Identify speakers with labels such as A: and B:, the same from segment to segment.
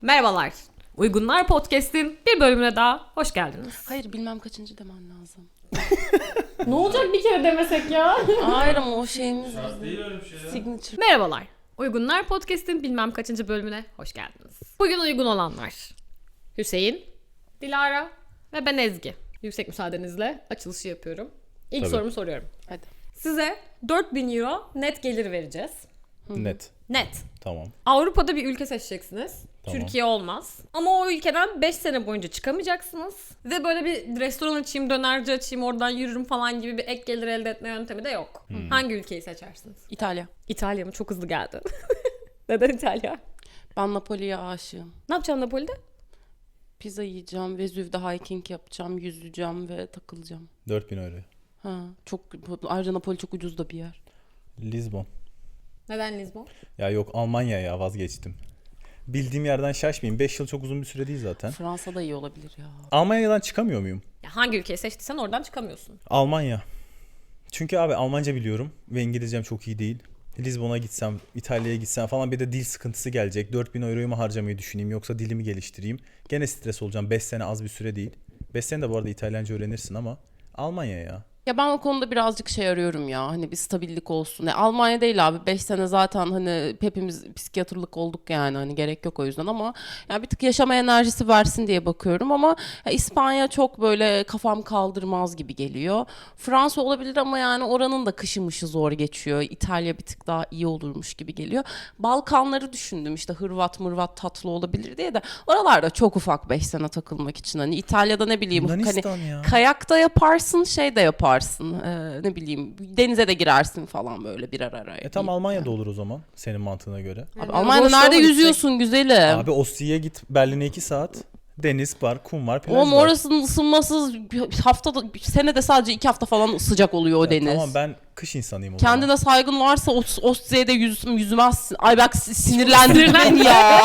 A: Merhabalar. Uygunlar Podcast'in bir bölümüne daha hoş geldiniz.
B: Hayır, bilmem kaçıncı demen lazım.
A: Ne olacak bir kere demesek ya?
B: Hayır ama o şeyimiz
C: Değil öyle bir şey ya.
B: signature.
A: Merhabalar. Uygunlar Podcast'in bilmem kaçıncı bölümüne hoş geldiniz. Bugün uygun olanlar Hüseyin, Dilara ve ben Ezgi. Yüksek müsaadenizle açılışı yapıyorum. İlk
C: Tabii.
A: sorumu soruyorum.
B: Hadi.
A: Size 4.000 euro net gelir vereceğiz.
C: Net.
A: Net.
C: Tamam.
A: Avrupa'da bir ülke seçeceksiniz.
C: Tamam.
A: Türkiye olmaz. Ama o ülkeden 5 sene boyunca çıkamayacaksınız. Ve böyle bir restoran açayım, dönerci açayım, oradan yürürüm falan gibi bir ek gelir elde etme yöntemi de yok. Hangi ülkeyi seçersiniz?
B: İtalya.
A: İtalya mı? Çok hızlı geldi. Neden İtalya?
B: Ben Napoli'ye aşığım.
A: Ne yapacaksın Napoli'de?
B: Pizza yiyeceğim, Vezüv'de hiking yapacağım, yüzeceğim ve takılacağım.
C: 4000 euro.
B: Ha, çok ayrıca Napoli çok ucuz da bir yer.
C: Lisbon.
A: Neden Lizbon?
C: Ya yok, Almanya ya, vazgeçtim. Bildiğim yerden şaşmayayım. 5 yıl çok uzun bir süre değil zaten.
B: Fransa da iyi olabilir ya.
C: Almanya'dan çıkamıyor muyum?
A: Ya hangi ülkeyi seçtiysen oradan çıkamıyorsun.
C: Almanya. Çünkü abi Almanca biliyorum ve İngilizcem çok iyi değil. Lisbon'a gitsem, İtalya'ya gitsem falan bir de dil sıkıntısı gelecek. 4000 euroyu mu harcamayı düşüneyim yoksa dilimi geliştireyim? Gene stres olacağım. 5 sene az bir süre değil. 5 sene de bu arada İtalyanca öğrenirsin ama Almanya ya.
B: Ya ben o konuda birazcık şey arıyorum ya, hani bir stabillik olsun. Almanya değil abi, 5 sene zaten hani hepimiz psikiyatrlık olduk yani, hani gerek yok o yüzden, ama ya bir tık yaşama enerjisi versin diye bakıyorum. Ama ya İspanya çok böyle kafam kaldırmaz gibi geliyor. Fransa olabilir ama yani oranın da kışı mışı zor geçiyor. İtalya bir tık daha iyi olurmuş gibi geliyor. Balkanları düşündüm, işte Hırvat mırvat tatlı olabilir diye de oralarda çok ufak 5 sene takılmak için. Hani İtalya'da ne bileyim
C: Yunanistan
B: hani
C: ya.
B: kayak da yaparsın, şey de yaparsın, ne bileyim denize de girersin falan böyle birer araya.
C: Tam Almanya'da olur o zaman senin mantığına göre.
B: Abi Almanya'da
A: Boşluğa
B: nerede
A: mı
B: yüzüyorsun güzelim?
C: Abi Oslo'ya git, Berlin'e 2 saat. Deniz var, kum var, plaj
B: Oğlum
C: var.
B: orasının ısınması haftada, senede sadece 2 hafta falan sıcak oluyor o deniz.
C: Tamam, ben kış insanıyım o zaman.
B: Kendine saygın varsa Oslo'da yüzmezsin. Ay bak, sinirlendirdin beni ya.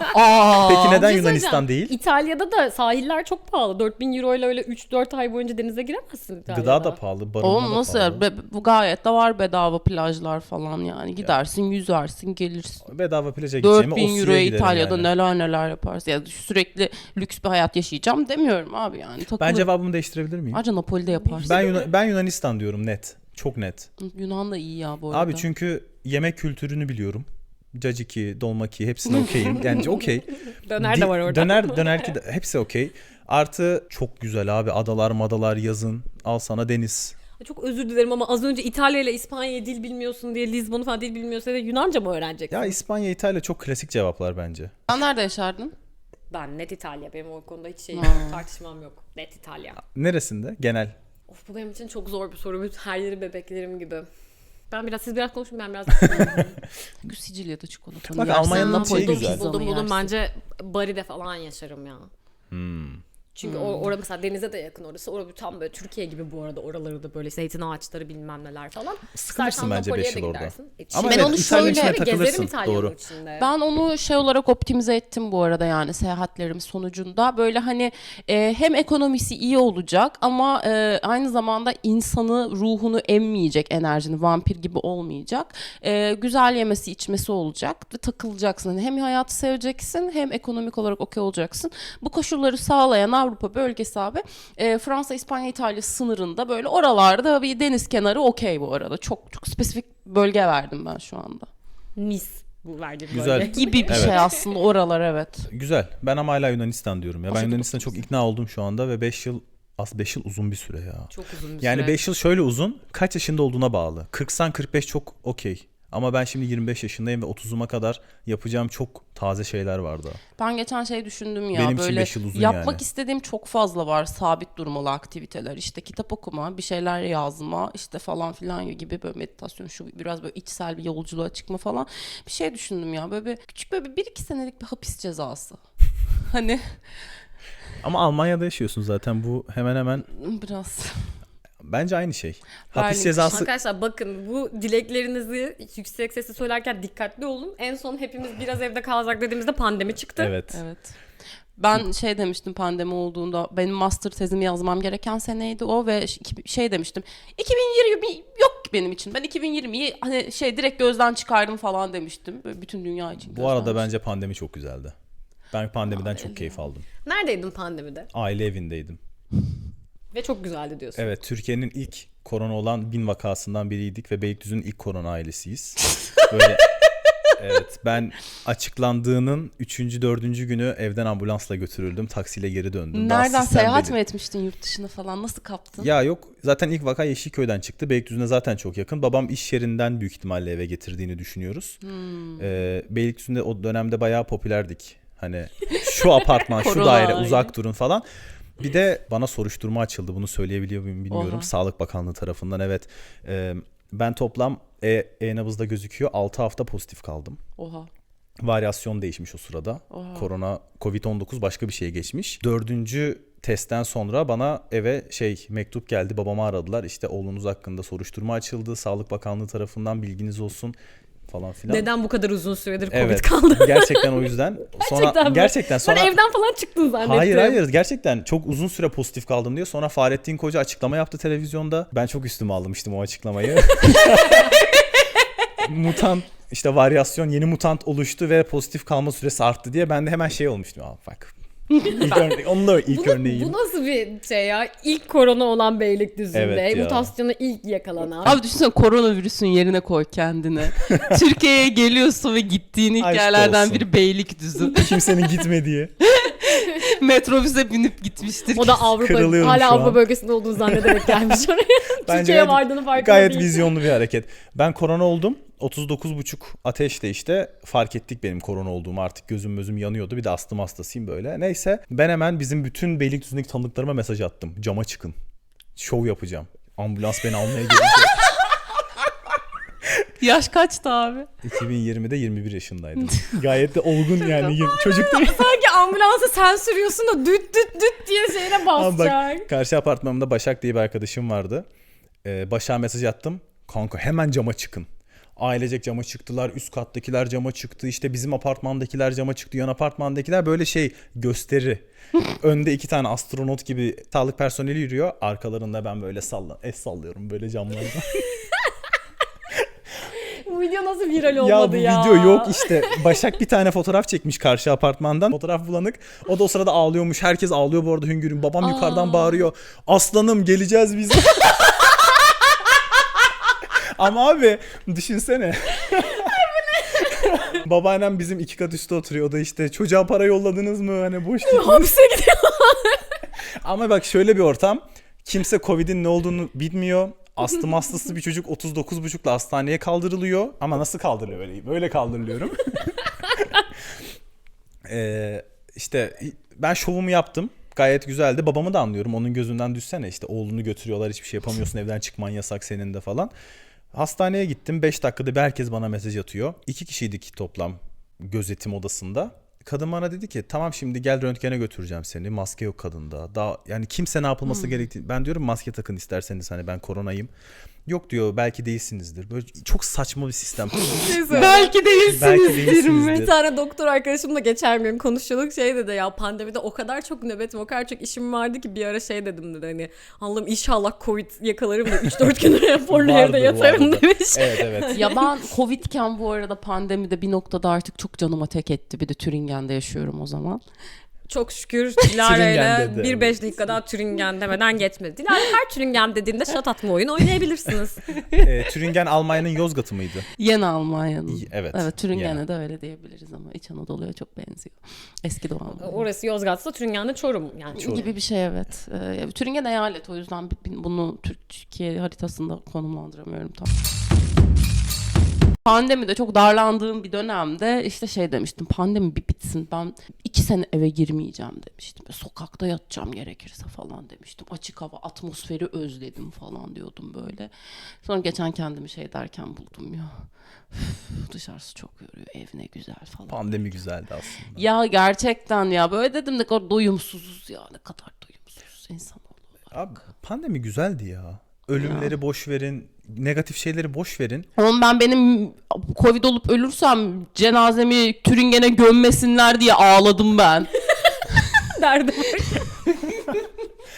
B: Aa.
C: Peki neden
A: Bir şey
C: Yunanistan
A: söyleyeceğim.
C: değil?
A: İtalya'da da sahiller çok pahalı. 4.000 euro ile öyle 3-4 ay boyunca denize giremezsin İtalya'da.
C: Gıda da pahalı, barınma
B: Oğlum
C: da
B: nasıl
C: pahalı.
B: ya? Bu gayet de var bedava plajlar falan yani. Gidersin, yüzersin, gelirsin.
C: Bedava plaja gideceğime
B: 4000
C: Oslo'ya
B: euroya
C: giderim
B: İtalya'da
C: yani.
B: neler yaparsın. Ya sürekli lüks bir hayat yaşayacağım demiyorum abi yani.
C: Ben
B: Takılırım.
C: cevabımı değiştirebilir miyim?
B: Ayrıca Napoli'de yaparsın.
C: Ben Yunanistan diyorum, net. Çok net.
B: Yunan da iyi ya bu arada.
C: Abi çünkü yemek kültürünü biliyorum. Caciki, dolmaki hepsine okeyim. Yani okey.
A: Döner de var orada.
C: Döner ki de hepsi okey. Artı çok güzel abi. Adalar madalar yazın. Al sana deniz.
A: Çok özür dilerim ama az önce İtalya ile İspanya'yı dil bilmiyorsun diye, Lizbon'u falan dil bilmiyorsun diye Yunanca mı öğreneceksin?
C: Ya İspanya, İtalya çok klasik cevaplar bence.
B: Sen nerede yaşardın?
A: Ben net İtalya. Benim o konuda hiç tartışmam yok. Net İtalya.
C: Neresinde? Genel.
A: Of, bu benim için çok zor bir soru. Her yeri bebeklerim gibi. Siz biraz konuşun, ben biraz
B: Sicilya'da çikolata.
C: Bak, Almanya'nın
B: Napoli'de
C: şeyi güzel.
B: pizza mı
A: buldum.
B: yersin?
A: Bence Bari'de falan yaşarım ya. Çünkü orada mesela denize de yakın orası. Orada tam böyle Türkiye gibi bu arada, oraları da böyle zeytin ağaçları bilmem neler falan.
C: Sıkılırsın
A: İstersen
C: bence
A: Napoli'ye
C: 5
A: de
C: yıl orada.
A: gidersin.
C: Ama
B: Ben
C: evet,
B: onu
C: İtalyanın
B: şöyle
C: içine
A: gezerim
C: takılırsın.
A: İtalya'nın
C: Doğru.
A: içinde.
B: Ben onu şey olarak optimize ettim bu arada, yani seyahatlerim sonucunda. Böyle hani hem ekonomisi iyi olacak ama aynı zamanda insanı, ruhunu emmeyecek, enerjini vampir gibi olmayacak. Güzel yemesi içmesi olacak ve takılacaksın. Hani hem hayatı seveceksin hem ekonomik olarak okey olacaksın. Bu koşulları sağlayan Avrupa bölgesi abi, Fransa, İspanya, İtalya sınırında böyle oralarda bir deniz kenarı okey bu arada. Çok çok spesifik bölge verdim ben şu anda.
A: Mis bu verdiğim
C: Güzel.
A: bölge.
B: Gibi bir
C: Evet.
B: şey aslında oralar, evet.
C: Güzel. Ben ama hala Yunanistan diyorum ya. Ben
B: Aşırı
C: Yunanistan'a çok ikna oldum şu anda ve 5 yıl 5 yıl uzun bir süre ya.
A: Çok uzun bir
C: Yani
A: süre.
C: 5 yıl şöyle uzun, kaç yaşında olduğuna bağlı. 40'san 45 çok okey. Ama ben şimdi 25 yaşındayım ve 30'uma kadar yapacağım çok taze şeyler vardı.
B: Ben geçen şey düşündüm ya,
C: Benim için
B: böyle
C: 5 yıl uzun
B: yapmak
C: yani.
B: istediğim çok fazla var, sabit durmalı aktiviteler. İşte kitap okuma, bir şeyler yazma, işte falan filan gibi, böyle meditasyon, şu biraz böyle içsel bir yolculuğa çıkma falan. Bir şey düşündüm ya, böyle küçük böyle 1-2 senelik bir hapis cezası. Hani
C: Ama Almanya'da yaşıyorsun zaten, bu hemen hemen
B: biraz.
C: bence aynı şey.
B: Berlin
C: Hapis cezası
A: Arkadaşlar bakın, bu dileklerinizi yüksek sesle söylerken dikkatli olun. En son hepimiz biraz evde kalacak dediğimizde pandemi çıktı.
C: evet.
B: Evet. Ben şey demiştim pandemi olduğunda, benim master tezimi yazmam gereken seneydi o ve şey demiştim, 2020 yok ki benim için, ben 2020'yi hani şey direkt gözden çıkardım falan demiştim. Böyle bütün dünya için
C: Bu
B: gözden
C: arada
B: çıkardım.
C: bence pandemi çok güzeldi. Ben pandemiden çok keyif aldım.
A: Neredeydin pandemide?
C: Aile evindeydim.
A: Ve çok güzeldi diyorsun.
C: Evet, Türkiye'nin ilk korona olan 1000 vakasından biriydik ve Beylikdüzü'nün ilk korona ailesiyiz. Böyle evet, ben açıklandığının 3. 4. günü evden ambulansla götürüldüm. Taksiyle geri döndüm. Daha
B: Nereden
C: sistem
B: seyahat
C: belli.
B: mi etmiştin yurt dışına falan? Nasıl kaptın?
C: Ya yok, zaten ilk vaka Yeşilköy'den çıktı. Beylikdüzü'ne zaten çok yakın. Babam iş yerinden büyük ihtimalle eve getirdiğini düşünüyoruz. Beylikdüzü'nde o dönemde bayağı popülerdik. Hani şu apartman, şu
A: Korona
C: daire
A: aile.
C: uzak durun falan. Bir de bana soruşturma açıldı. Bunu söyleyebiliyor muyum bilmiyorum.
B: Oha.
C: Sağlık Bakanlığı tarafından, evet. Ben toplam e-nabızda gözüküyor 6 hafta pozitif kaldım.
B: Oha.
C: Varyasyon değişmiş o sırada.
B: Oha.
C: Korona, Covid-19 başka bir şeye geçmiş. 4. testten sonra bana eve mektup geldi. Babamı aradılar. İşte oğlunuz hakkında soruşturma açıldı. Sağlık Bakanlığı tarafından bilginiz olsun falan filan.
A: Neden bu kadar uzun süredir Covid
C: Evet.
A: kaldı?
C: Gerçekten o yüzden. Sonra
A: mi?
C: gerçekten sonra
A: Ben evden falan çıktın zannettim.
C: Hayır, gerçekten çok uzun süre pozitif kaldım diyor. Sonra Fahrettin Koca açıklama yaptı televizyonda. Ben çok üstüme almıştım o açıklamayı. Mutant işte varyasyon, yeni mutant oluştu ve pozitif kalma süresi arttı diye ben de hemen olmuştum. Bak. Onun da ilk örneği.
A: Bu nasıl bir şey ya? İlk korona olan Beylikdüzü'nde.
C: Evet ya.
A: Mutasyona ilk yakalanan.
B: Abi düşünsene koronavirüsün yerine koy kendini. Türkiye'ye geliyorsun ve gittiğin ilk
C: Aşk
B: yerlerden
C: olsun.
B: biri Beylikdüzü.
C: Kimsenin gitmediği.
B: Metrobüse binip gitmiştir.
A: O da Avrupa,
C: Kırılıyorum
A: hala
C: şu
A: Avrupa
C: an.
A: bölgesinde olduğunu zannederek gelmiş oraya. Türkiye'ye vardığını farkında
C: gayet
A: değil.
C: vizyonlu bir hareket. Ben korona oldum. 39,5 ateşte işte fark ettik benim korona olduğumu, artık gözüm yanıyordu. Bir de astım hastasıyım böyle. Neyse ben hemen bizim bütün Beylikdüzü'ndeki tanıdıklarıma mesaj attım. Cama çıkın. Şov yapacağım. Ambulans beni almaya gelecek.
B: Yaş kaçtı abi?
C: 2020'de 21 yaşındaydım. Gayet de olgun yani. Çocuk değil.
A: Sanki ambulansı sen sürüyorsun da düt düt düt diye şeyine
C: Ama
A: basacak.
C: bak, karşı apartmanımda Başak diye bir arkadaşım vardı. Başak'a mesaj attım. Kanka hemen cama çıkın. Ailecek cama çıktılar. Üst kattakiler cama çıktı. İşte bizim apartmandakiler cama çıktı. Yan apartmandakiler böyle gösteri. Önde 2 tane astronot gibi sağlık personeli yürüyor. Arkalarında ben böyle el sallıyorum böyle camlardan.
A: Bu video nasıl viral olmadı ya?
C: Bu video yok işte. Başak bir tane fotoğraf çekmiş karşı apartmandan. Fotoğraf bulanık. O da o sırada ağlıyormuş. Herkes ağlıyor bu arada, hüngürün. Babam yukarıdan bağırıyor. Aslanım geleceğiz biz. Ama abi düşünsene. Babaannem bizim 2 kat üstte oturuyor. O da işte çocuğa para yolladınız mı? Hani boş değil.
A: Hapse gidiyor.
C: Ama bak şöyle bir ortam. Kimse Covid'in ne olduğunu bilmiyor. Astım hastası bir çocuk 39,5'la hastaneye kaldırılıyor. Ama nasıl kaldırılıyor? Böyle kaldırılıyorum. İşte ben şovumu yaptım. Gayet güzeldi. Babamı da anlıyorum. Onun gözünden düşsene, işte oğlunu götürüyorlar, hiçbir şey yapamıyorsun, evden çıkman yasak senin de falan. Hastaneye gittim. 5 dakikada bir herkes bana mesaj atıyor. 2 kişiydik toplam gözetim odasında. Kadın bana dedi ki tamam şimdi gel röntgene götüreceğim seni. Maske yok kadında. Daha yani kimse ne yapılması gerektiğini. Ben diyorum maske takın isterseniz, hani ben koronayım. Yok diyor, belki değilsinizdir. Böyle çok saçma bir sistem.
B: Belki değilsinizdir mi?
A: Bir tane doktor arkadaşımla geçen gün konuşuyorduk, dedi ya pandemide o kadar çok nöbetim, o kadar çok işim vardı ki bir ara dedim dedi, hani Allah'ım inşallah Covid yakalarım da 3-4 gün raporlu evde yatarım demiş.
C: Evet.
B: Ya ben Covid'ken bu arada pandemide bir noktada artık çok canıma tek etti. Bir de Türingen'de yaşıyorum o zaman.
A: Çok şükür Dilara'yla
C: Türingen dedi.
A: 1-5 dakika daha Türingen demeden geçmedi. Dilara her Türingen dediğinde şat atma oyunu oynayabilirsiniz.
C: Türingen Almanya'nın Yozgat'ı mıydı?
B: Yeni Almanya'nın.
C: Evet.
B: Evet, Türingen'e
C: Yani.
B: de öyle diyebiliriz ama İç Anadolu'ya çok benziyor. Eski Doğu Anadolu.
A: Orası Yozgat'sa Türingen'de Çorum. Yani
C: Çorum.
B: Gibi bir şey, evet. Türingen eyalet, o yüzden bunu Türkiye haritasında konumlandıramıyorum tam. Pandemide çok darlandığım bir dönemde işte demiştim, pandemi bir bitsin, ben 2 sene eve girmeyeceğim demiştim. Sokakta yatacağım gerekirse falan demiştim. Açık hava, atmosferi özledim falan diyordum böyle. Sonra geçen kendimi derken buldum ya. Dışarısı çok yoruyor, ev ne güzel falan.
C: Pandemi güzeldi aslında.
B: Ya gerçekten ya, böyle dedim ne kadar doyumsuzuz ya, ne kadar doyumsuz insanoğlu var.
C: Abi pandemi güzeldi ya. Ölümleri boş verin, negatif şeyleri boş verin.
B: Oğlum benim Covid olup ölürsem cenazemi Türingen'e gömmesinler diye ağladım ben.
A: derdim.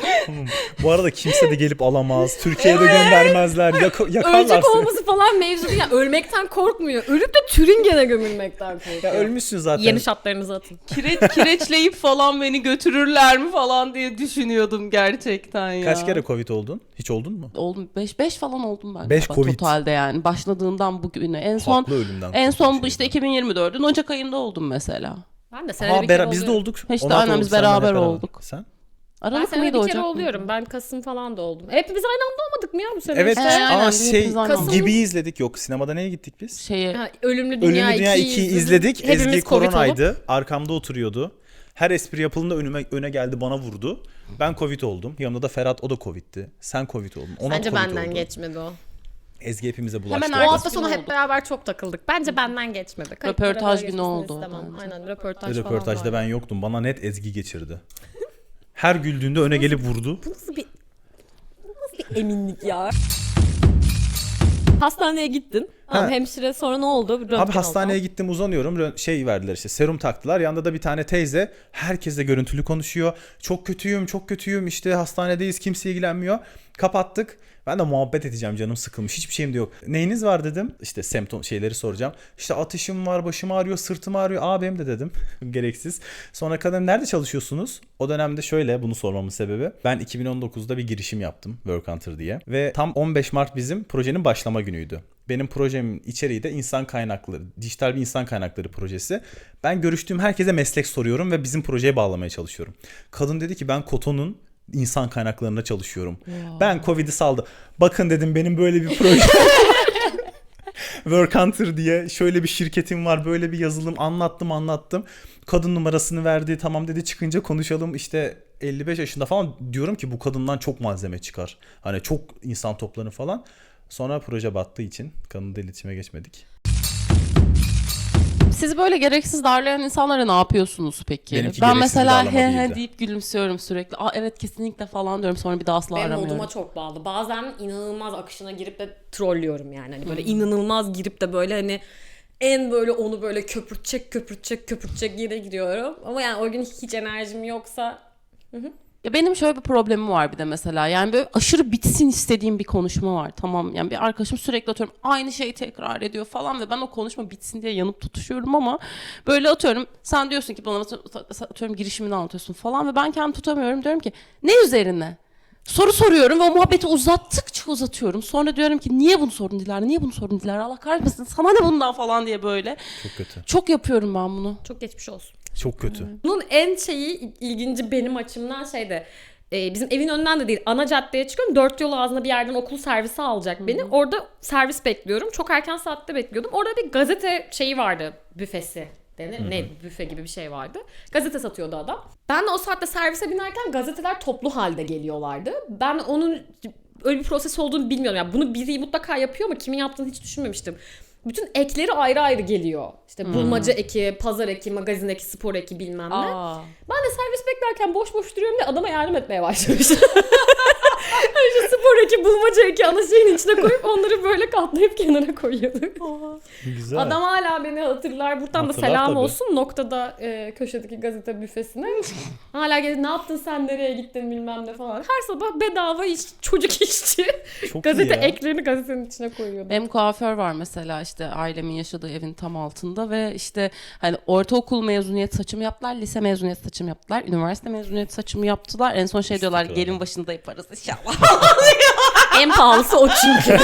C: Bu arada kimse de gelip alamaz. Türkiye'de göndermezler. Yakarlar
A: Ölecek
C: seni.
A: olması falan mevzu değil. Yani ölmekten korkmuyor. Ölüp de Türingen'e gömülmekten korkuyor.
C: Ya ölmüşsün zaten.
A: Yeni şartlarınızı atın.
B: Kireçleyip falan beni götürürler mi falan diye düşünüyordum gerçekten ya.
C: Kaç kere Covid oldun? Hiç oldun mu?
B: Oldum 5 falan oldum ben.
C: 5
B: galiba
C: Covid.
B: totalde yani başladığından bugüne.
C: Haklı ölümden
B: En son bu
C: korkunç
B: işte
C: şeydi.
B: 2024'ün Ocak ayında oldum mesela.
A: Ben de senede bir kere
C: Biz de
A: oluyorum.
C: olduk.
B: İşte
C: 16
B: aynen
C: olduk,
B: biz
C: sen ben hep
B: beraber olduk.
C: Sen?
A: Ben
B: Aralık
A: senede
B: mıydı
A: bir
B: Ocak
A: kere
B: mıydı?
A: oluyorum. Ben Kasım falan da oldum. Hepimiz aynı anda olmadık mı ya bu sene?
C: Evet
A: işte?
B: aynen,
C: ama
B: biz
C: şey
B: hepimiz aynı
A: anda.
C: gibi izledik. Yok, sinemada neye gittik biz?
B: Şeye
A: Ha, Ölümlü Dünya,
C: Ölümlü Dünya 2'yi izledik.
A: Hepimiz
C: Ezgi
A: Covid olup.
C: koronaydı. Arkamda oturuyordu. Her espri yapıldığında öne geldi, bana vurdu. Ben Covid oldum. Yanımda da Ferhat, o da Covid'ti. Sen Covid oldun. Ona
A: Bence
C: Covid
A: benden
C: oldu.
A: geçmedi o.
C: Ezgi hepimize bulaştı.
B: Hemen
A: O
B: ertesi
A: hafta
B: gün
A: sonu
B: oldu.
A: hep beraber çok takıldık. Bence benden geçmedi. Kayıtlara
B: Röportaj
A: böyle
B: günü
A: geçmesini
B: oldu o
A: istemem.
B: bence.
A: Aynen röportaj falan
C: Röportajda
A: var.
C: ben yoktum. Bana net Ezgi geçirdi. Her güldüğünde öne gelip vurdu.
A: Bu nasıl bir eminlik ya? Hastaneye gittin. Tamam, hemşire sonra ne oldu? Röntgen
C: Abi hastaneye
A: oldu.
C: gittim, uzanıyorum. Şey verdiler işte, serum taktılar. Yanında da bir tane teyze herkesle görüntülü konuşuyor. Çok kötüyüm, çok kötüyüm. İşte hastanedeyiz, kimse ilgilenmiyor. Kapattık. Ben de muhabbet edeceğim, canım sıkılmış. Hiçbir şeyim de yok. Neyiniz var dedim. İşte semptom şeyleri soracağım. İşte ateşim var, başım ağrıyor, sırtım ağrıyor. Aa, benim de dedim. Gereksiz. Sonra kadın, nerede çalışıyorsunuz? O dönemde şöyle, bunu sormamın sebebi. Ben 2019'da bir girişim yaptım. Work Hunter diye. Ve tam 15 Mart bizim projenin başlama günüydü. Benim projemin içeriği de insan kaynakları, dijital bir insan kaynakları projesi. Ben görüştüğüm herkese meslek soruyorum ve bizim projeye bağlamaya çalışıyorum. Kadın dedi ki, ben Koto'nun insan kaynaklarında çalışıyorum.
B: Wow.
C: Ben Covid'i saldım. Bakın dedim, benim böyle bir proje. Work Hunter diye şöyle bir şirketim var, böyle bir yazılım, anlattım. Kadın numarasını verdi. Tamam dedi, çıkınca konuşalım. İşte 55 yaşında falan, diyorum ki bu kadından çok malzeme çıkar. Hani çok insan toplanır falan. Sonra proje battığı için kadınla iletişime geçmedik.
B: Siz böyle gereksiz darlayan insanlara ne yapıyorsunuz peki?
C: Benimki
B: Ben
C: gereksiz
B: mesela
C: darlama
B: he he
C: değildi.
B: deyip gülümsüyorum sürekli. Aa evet kesinlikle falan diyorum, sonra bir daha asla
A: Benim
B: aramıyorum.
A: moduma çok bağlı. Bazen inanılmaz akışına girip de trollüyorum yani. Hani böyle inanılmaz girip de böyle hani en böyle onu böyle köpürtecek yere gidiyorum. Ama yani o gün hiç enerjim yoksa
B: Ya benim şöyle bir problemim var bir de mesela. Yani böyle aşırı bitsin istediğim bir konuşma var. Tamam, yani bir arkadaşım sürekli atıyorum aynı şeyi tekrar ediyor falan ve ben o konuşma bitsin diye yanıp tutuşuyorum ama böyle atıyorum sen diyorsun ki bana atıyorum girişimini anlatıyorsun falan ve ben kendimi tutamıyorum, diyorum ki ne üzerine? Soru soruyorum ve o muhabbeti uzattıkça uzatıyorum. Sonra diyorum ki niye bunu sordun Dilara? Allah kahretmesin, sana ne bundan falan diye böyle.
C: Çok kötü.
B: Çok yapıyorum ben bunu.
A: çok geçmiş olsun.
C: Çok kötü.
A: Bunun en ilginci benim açımdan şeyde bizim evin önünden de değil, ana caddeye çıkıyorum. 4 yol ağzında bir yerden okul servisi alacak beni. Orada servis bekliyorum. Çok erken saatte bekliyordum. Orada bir gazete şeyi vardı, büfesi. Ne büfe gibi bir şey vardı. Gazete satıyordu adam. Ben de o saatte servise binerken gazeteler toplu halde geliyorlardı. Ben onun öyle bir proses olduğunu bilmiyorum. Yani bunu biri mutlaka yapıyor ama kimin yaptığını hiç düşünmemiştim. Bütün ekleri ayrı ayrı geliyor. İşte bulmaca eki, pazar eki, magazin eki, spor eki bilmem ne. Ben de servis beklerken boş duruyorum diye adama yardım etmeye başlamışım. İşte spor eki, bulmaca eki ana şeyin içine koyup onları böyle katlayıp kenara koyuyorduk.
C: Güzel.
A: Adam hala beni hatırlar. Buradan da
C: Hatırlar
A: selam
C: tabii.
A: olsun noktada köşedeki gazete büfesine. Hala gelip ne yaptın sen, nereye gittin bilmem ne falan. Her sabah bedava çocuk işçi.
C: Çok
A: Gazete
C: iyi ya.
A: eklerini gazetenin içine koyuyordu.
B: Benim kuaför var mesela, işte ailemin yaşadığı evin tam altında ve işte hani ortaokul mezuniyet saçımı yaptılar, lise mezuniyet saçımı yaptılar, üniversite mezuniyet saçımı yaptılar. En son şey diyorlar,
C: İstiklal.
B: gelin başında yaparız inşallah.
A: En pahalısı o çünkü.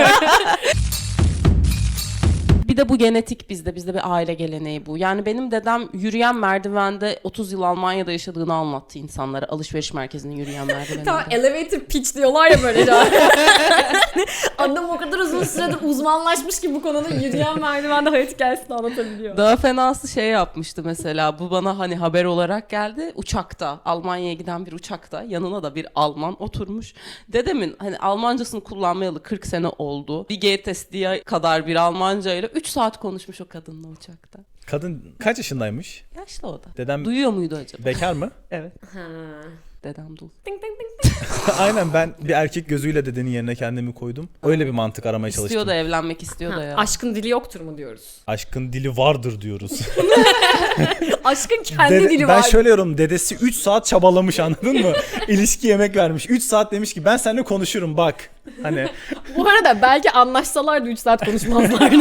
B: Bir de bu genetik bizde bir aile geleneği bu. Yani benim dedem yürüyen merdivende 30 yıl Almanya'da yaşadığını anlattı insanlara. Alışveriş merkezinin yürüyen merdiveninde.
A: Tamam, elevator pitch diyorlar ya böyle. Adam o kadar uzun süredir uzmanlaşmış ki bu konuda yürüyen merdivende hayat hikayesini anlatabiliyor.
B: Daha fenası şey yapmıştı mesela, bu bana hani haber olarak geldi, uçakta, Almanya'ya giden bir uçakta yanına da bir Alman oturmuş. Dedemin hani Almancasını kullanmayalı 40 sene oldu. Bir GTS diye kadar bir Almanca ile 3 saat konuşmuş o kadınla uçakta.
C: Kadın kaç yaşındaymış?
B: Yaşlı o da.
C: Dedem
B: Duyuyor muydu acaba?
C: bekar mı?
B: Evet.
A: Ha.
B: Dedem dul.
A: Ding ding ding.
C: Aynen, ben bir erkek gözüyle dedenin yerine kendimi koydum. Öyle bir mantık aramaya çalıştım.
B: İstiyor da evlenmek istiyor da ya.
A: Aşkın dili yoktur mu diyoruz?
C: Aşkın dili vardır diyoruz.
A: Aşkın kendi dili
C: ben
A: var.
C: şöyle yorum, dedesi 3 saat çabalamış, anladın mı? İlişki yemek vermiş. 3 saat demiş ki ben seninle konuşurum bak. Hani
A: Bu arada belki anlaşsalardı 3 saat konuşmazlardı.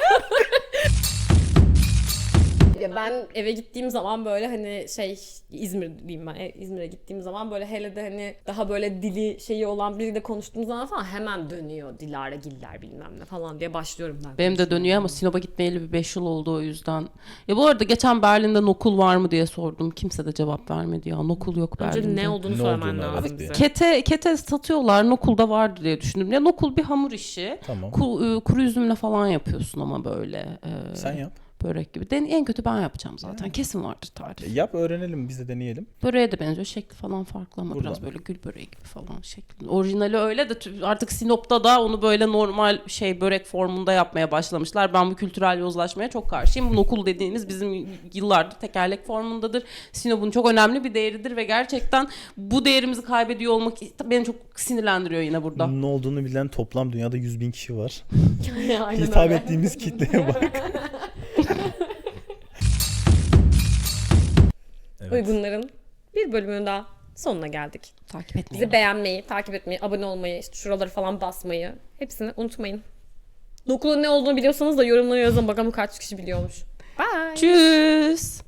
A: Ya ben eve gittiğim zaman böyle hani İzmir'deyim ben. İzmir'e gittiğim zaman böyle hele de hani daha böyle dili şeyi olan biriyle konuştuğum zaman falan hemen dönüyor Dilara Giller bilmem ne falan diye başlıyorum ben.
B: Benim de dönüyor ama Sinop'a gitmeyeli bir 5 yıl oldu o yüzden. Ya bu arada geçen Berlin'de nokul var mı diye sordum. Kimse de cevap vermedi ya. Nokul yok Berlin'de.
A: Önce ne olduğunu
C: Ne
A: söylemen
C: olduğunu,
A: lazım
C: evet,
A: bize.
B: Kete satıyorlar. Nokul da vardı diye düşündüm. Ya nokul bir hamur işi.
C: tamam.
B: Kuru üzümle falan yapıyorsun ama böyle.
C: Sen yap.
B: Börek gibi. En kötü ben yapacağım zaten. Kesin vardır tarif.
C: Yap, öğrenelim, biz de deneyelim.
B: Böreğe de benziyor. Şekli falan farklı ama
C: Buradan.
B: biraz böyle gül böreği gibi falan şekli. Orijinali öyle de artık Sinop'ta da onu böyle normal börek formunda yapmaya başlamışlar. Ben bu kültürel yozlaşmaya çok karşıyım. Bu nokul dediğimiz bizim yıllardır tekerlek formundadır. Sinop'un çok önemli bir değeridir ve gerçekten bu değerimizi kaybediyor olmak beni çok sinirlendiriyor yine burada.
C: Ne olduğunu bilen toplam dünyada 100.000 kişi var.
A: Aynen
C: Hitap
A: öyle.
C: ettiğimiz kitleye bak. Evet.
A: Uygunların bir bölümünün daha sonuna geldik.
B: Takip etmeyi.
A: Bizi beğenmeyi, takip etmeyi, abone olmayı, işte şuraları falan basmayı hepsini unutmayın. Nokulun ne olduğunu biliyorsanız da yorumlara yazın bakalım kaç kişi biliyormuş. Bye.
B: Tschüss.